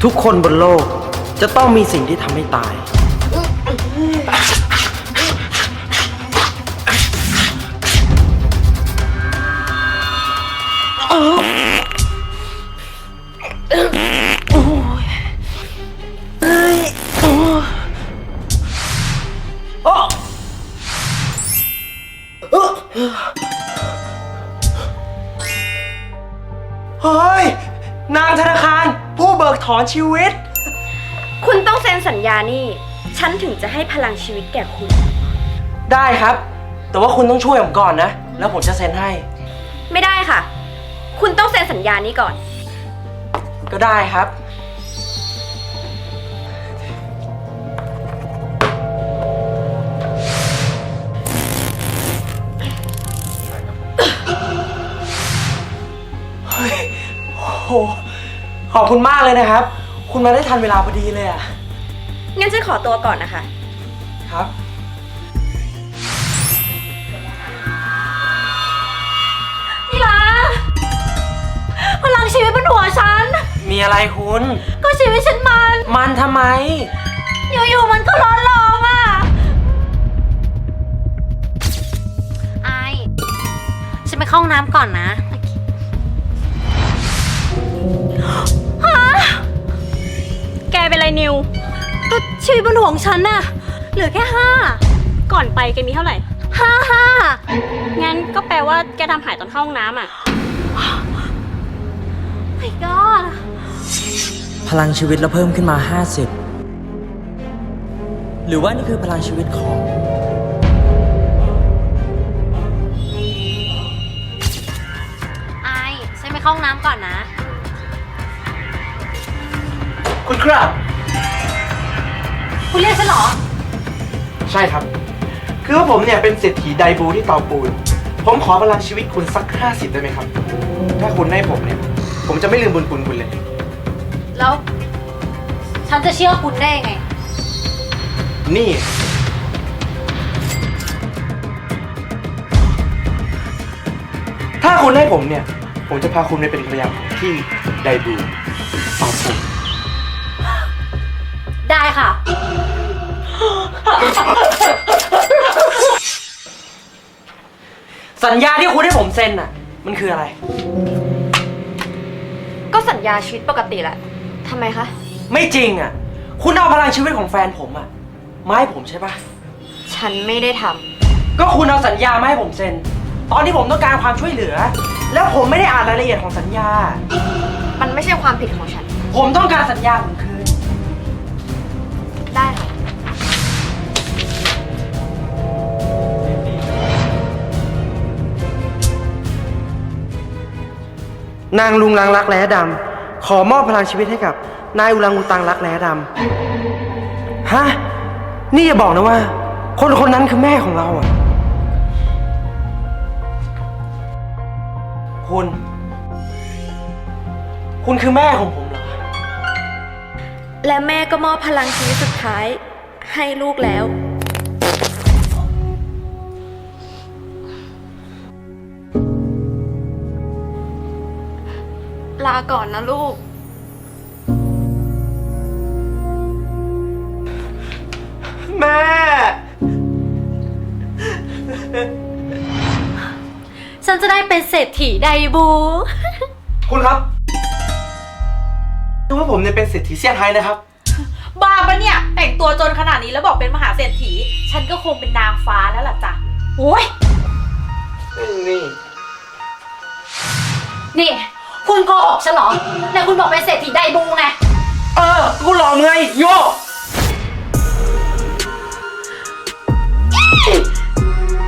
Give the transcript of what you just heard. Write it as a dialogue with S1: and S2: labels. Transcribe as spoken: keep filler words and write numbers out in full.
S1: ทุกคนบนโลกจะต้องมีสิ่งที่ทำให้ตายเฮ้ยนางธนาคารผู้เบิกถอนชีวิต
S2: คุณต้องเซ็นสัญญานี่ฉันถึงจะให้พลังชีวิตแก่คุณ
S1: ได้ครับแต่ว่าคุณต้องช่วยผมก่อนนะแล้วผมจะเซ็นให้
S2: ไม่ได้ค่ะคุณต้องเซ็นสัญญานี้ก่อน
S1: ก็ได้ครับเฮ้ยโหขอบคุณมากเลยนะครับคุณมาได้ทันเวลาพอดีเลยอ่ะ
S2: งั้นฉันขอตัวก่อนนะคะ
S1: ครับ
S2: นี่ล่ะพลังชีวิตบนหัวฉัน
S1: มีอะไรคุณ
S2: ก็ชีวิตฉันมัน
S1: มันทำไม
S2: อยู่ๆมันก็ร้อนรองอ่ะไอฉันไปเข้าห้องน้ำก่อนนะฮะแกเป็นไรนิวก็ชีวิตบนหัวของฉันน่ะเหลือแค่ห้าก่อนไปแกมีเท่าไหร่ห้าห้างั้นก็แปลว่าแกทำหายตอนเข้าห้องน้ำอ่ะ My God
S1: พลังชีวิตเราเพิ่มขึ้นมาห้าสิบหรือว่านี่คือพลังชีวิตของ
S2: ไอฉันไปเข้าห้องน้ำก่อนนะ
S1: คุณครับ
S2: คุณเรียกฉันเหรอ
S1: ใช่ครับคือว่าผมเนี่ยเป็นเศรษฐีไดบูที่เตาปูนผมขอพลังชีวิตคุณสักห้าสิบได้ไหมครับถ้าคุณให้ผมเนี่ยผมจะไม่ลืมบุญคุณคุณเลย
S2: แล้วฉันจะเชื่อคุณได้ไง
S1: นี่ถ้าคุณให้ผมเนี่ยผมจะพาคุณไปเป็นภรรยาที่ไดบูเตาปูน
S2: ได้ค่ะ
S1: สัญญาที่คุณให้ผมเซ็นน่ะมันคืออะไร
S2: ก็สัญญาชีวิตปกติแหละทำไมคะ
S1: ไม่จริงอ่ะคุณเอาพลังชีวิตของแฟนผมอ่ะมาให้ผมใช่ปะ
S2: ฉันไม่ได้ทำ
S1: ก็คุณเอาสัญญามาให้ผมเซ็นตอนที่ผมต้องการความช่วยเหลือแล้วผมไม่ได้อ่านรายละเอียดของสัญญา
S2: มันไม่ใช่ความผิดของฉัน
S1: ผมต้องการสัญญาผมคืน
S2: ได้ค่ะ
S1: นางลุงลังรักแร้ดำขอมอบพลังชีวิตให้กับนายอุลังอุตังรักแร้ดำฮะนี่อย่าบอกนะว่าคนคนนั้นคือแม่ของเราอ่ะคุณคุณคือแม่ของผมเหรอ
S2: และแม่ก็มอบพลังชีวิตสุดท้ายให้ลูกแล้วลาก่อนนะลูก
S1: แม่
S2: ฉันจะได้เป็นเศรษฐีไดบู
S1: คุณครับคือว่าผมเนี่ยเป็นเศรษฐีเซี่ยงไฮ้นะครับ
S3: บ้าปะเนี่ยแต่งตัวจนขนาดนี้แล้วบอกเป็นมหาเศรษฐีฉันก็คงเป็นนางฟ้าแล้วล่ะจ้ะโอ้ย
S1: นี่
S3: นี่คุณโกหกฉันเหรอไหนคุณบอกเป็นเศรษฐีไดบูไง
S1: เออกูหลอกไงโย